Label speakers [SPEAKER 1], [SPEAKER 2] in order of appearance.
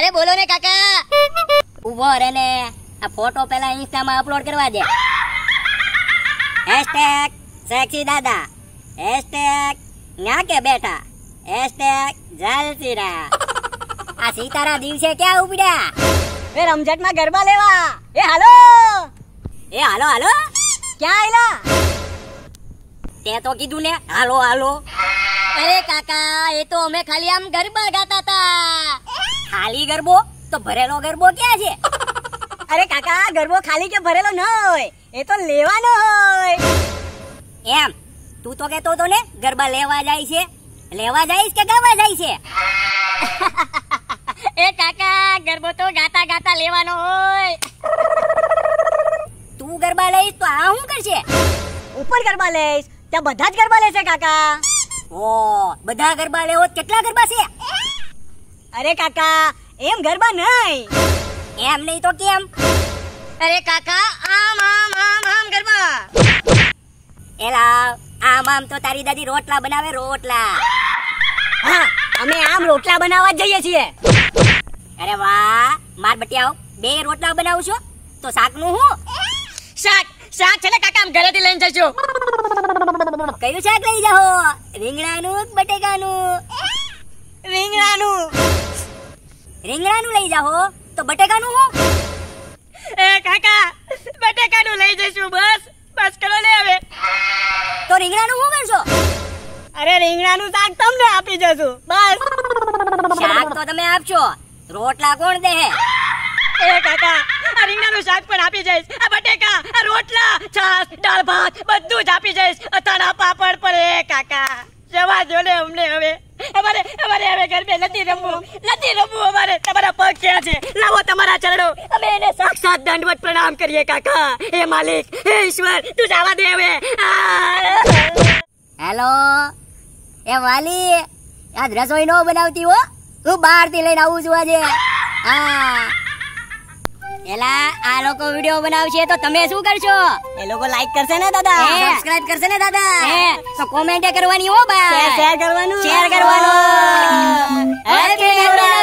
[SPEAKER 1] અરે બોલો ને કાકા. ઉભો રે ને, આ ફોટો પેલા ઇન્સ્ટા માં અપલોડ કરવા દે. #સેક્સી દાદા, #ન્યા કે બેઠા, #જલસીરા. આ સીતારા દિવસે ક્યાં ઉપડ્યા?
[SPEAKER 2] એ રમઝટ માં ગરબા લેવા. એ હાલો
[SPEAKER 1] હાલો
[SPEAKER 2] ક્યાં આયલા?
[SPEAKER 1] તે તો કીધું ને હાલો હાલો. અરે કાકા, એ તો અમે ખાલી આમ ગરબા ગાતા તા. ખાલી ગરબો? તો ભરેલો ગરબો ક્યાં છે?
[SPEAKER 2] અરે કાકા, ગરબો ખાલી કે ભરેલો ન હોય, એ તો લેવાનો હોય.
[SPEAKER 1] એમ તું તો કેતો તો ને ગરબા લેવા જાય છે. લેવા જઈશ કે ગાવા જાય છે?
[SPEAKER 2] એ કાકા, ગરબો તો ગાતા ગાતા લેવાનો હોય.
[SPEAKER 1] તું ગરબા લઈશ તો આ શું કરશે?
[SPEAKER 2] ઉપર ગરબા લઈશ, ત્યાં બધા જ ગરબા લેશે કાકા.
[SPEAKER 1] ઓ, બધા ગરબા લેવો કેટલા ગરબા છે?
[SPEAKER 2] અરે કાકા, એમ ગરબા નહીં.
[SPEAKER 1] એમ નહીં તો કેમ?
[SPEAKER 2] અરે કાકા, આમ આમ આમ આમ ગરબા.
[SPEAKER 1] એલા, આમ તો તારી દાદી રોટલા બનાવે, રોટલા.
[SPEAKER 2] હા, અમે આમ રોટલા બનાવવા જ જઈએ છીએ.
[SPEAKER 1] અરે વાહ, માર બટિયાઓ, 2 રોટલા બનાવું છો તો શાકનું હું?
[SPEAKER 2] શાક છે ને કાકા, આમ ઘરેથી લઈને જજો.
[SPEAKER 1] કયું શાક લઈ જાઓ? રીંગણાનું કે બટેકાનું? રીંગણાનું લઈ જાઓ તો બટેકાનું હું?
[SPEAKER 2] એ કાકા, બટેકાનું લઈ જઈશું. બસ કરો ને હવે.
[SPEAKER 1] તો રીંગણાનું હું કરશો?
[SPEAKER 2] અરે રીંગણાનું શાક તમને આપી જશું. બસ.
[SPEAKER 1] શાક તો તમે આપશો, રોટલા કોણ દે?
[SPEAKER 2] એ કાકા, આ રીંગણાનું શાક પણ આપી જઈશ. આ બટેકા, આ રોટલા, છાસ, દાળ ભાત બધું જ આપી જઈશ. અથાણા પાપડ પર. એ કાકા, જવા દો ને અમને હવે. અમારે હવે ગરબે નથી રમવું. અમારે તમારા પગ ક્યાં છે? લાવો તમારા ચરણો, અમે એને સાક્ષાત દંડવત પ્રણામ કરીએ કાકા. હે માલિક, હે ઈશ્વર, તું જવા દે હવે.
[SPEAKER 1] હેલો, એ વાલી, આજ રસોઈ નો બનાવતી હો, હું બહારથી લઈને આવું છું આજે. હા, એલા આ લોકો વિડિયો બનાવશે તો તમે શું કરશો?
[SPEAKER 2] એ લોકો લાઈક કરશે ને દાદા,
[SPEAKER 1] સબસ્ક્રાઇબ કરશે ને દાદા, તો કોમેન્ટ કરવાની હો બા,
[SPEAKER 2] શેર કરવાનું.
[SPEAKER 1] હેપી